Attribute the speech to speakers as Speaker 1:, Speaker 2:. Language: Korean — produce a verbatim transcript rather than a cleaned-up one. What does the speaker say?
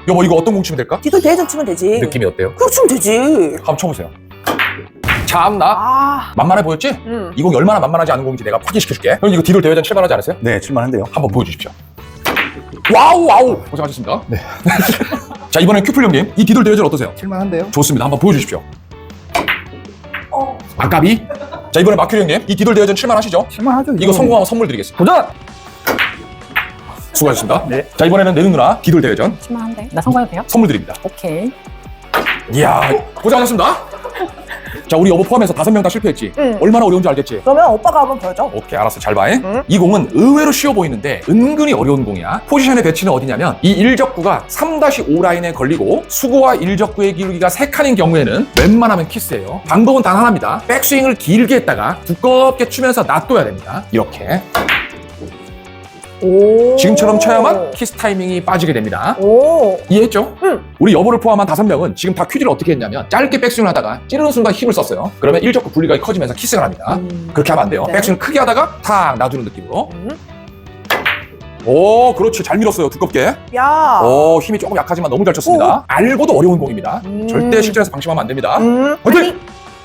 Speaker 1: 여보 이거 어떤 공 치면 될까?
Speaker 2: 뒤돌 대회전 치면 되지.
Speaker 1: 느낌이 어때요?
Speaker 2: 그렇게 치면 되지.
Speaker 1: 한번 쳐보세요. 참나
Speaker 2: 아.
Speaker 1: 만만해 보였지?
Speaker 2: 음.
Speaker 1: 이 공이 얼마나 만만하지 않은 공인지 내가 확인시켜줄게. 그럼 이거 뒤돌 대회전 칠만하지 않으세요?
Speaker 3: 네, 칠만한데요.
Speaker 1: 한번 보여주십시오. 와우 와우 고생하셨습니다.
Speaker 3: 네.
Speaker 1: 자 이번엔 큐플 형님 이 뒤돌 대회전 어떠세요?
Speaker 3: 칠만한데요.
Speaker 1: 좋습니다. 한번 보여주십시오.
Speaker 2: 어.
Speaker 1: 아까비. 자 이번에 마큐리 형님 이 뒤돌 대회전 칠만하시죠?
Speaker 3: 칠만하죠.
Speaker 1: 이거 성공하면 선물 드리겠습니다.
Speaker 3: 도전!
Speaker 1: 수고하셨습니다.
Speaker 3: 네.
Speaker 1: 자 이번에는 내눈 누나 뒤돌 대회전
Speaker 4: 칠만한데? 나 성공해도 돼요?
Speaker 1: 선물 드립니다.
Speaker 4: 오케이.
Speaker 1: 이야 고생하셨습니다. 자 우리 여보 포함해서 다섯 명 다 실패했지?
Speaker 2: 응.
Speaker 1: 얼마나 어려운지 알겠지?
Speaker 2: 그러면 오빠가 한번 보여줘.
Speaker 1: 오케이 알았어 잘 봐.
Speaker 2: 응.
Speaker 1: 이 공은 의외로 쉬워 보이는데 은근히 어려운 공이야. 포지션의 배치는 어디냐면 이 일적구가 삼 오 라인에 걸리고 수구와 일적구의 기울기가 세 칸인 경우에는 웬만하면 키스예요. 방법은 단 하나입니다. 백스윙을 길게 했다가 두껍게 추면서 놔둬야 됩니다. 이렇게
Speaker 2: 오.
Speaker 1: 지금처럼 쳐야만 키스 타이밍이 빠지게 됩니다.
Speaker 2: 오.
Speaker 1: 이해했죠?
Speaker 2: 응.
Speaker 1: 우리 여보를 포함한 다섯 명은 지금 다 퀴즈를 어떻게 했냐면 짧게 백스윙을 하다가 찌르는 순간 힘을 썼어요. 그러면 일적구 분리가 커지면서 키스가 납니다.
Speaker 2: 음.
Speaker 1: 그렇게 하면 안 돼요.
Speaker 2: 네.
Speaker 1: 백스윙 크게 하다가 탁 놔주는 느낌으로.
Speaker 2: 음.
Speaker 1: 오 그렇지 잘 밀었어요 두껍게.
Speaker 2: 야.
Speaker 1: 오 힘이 조금 약하지만 너무 잘 쳤습니다. 알고도 어려운 공입니다.
Speaker 2: 음.
Speaker 1: 절대 실전에서 방심하면 안 됩니다.
Speaker 2: 음.
Speaker 1: 화이팅!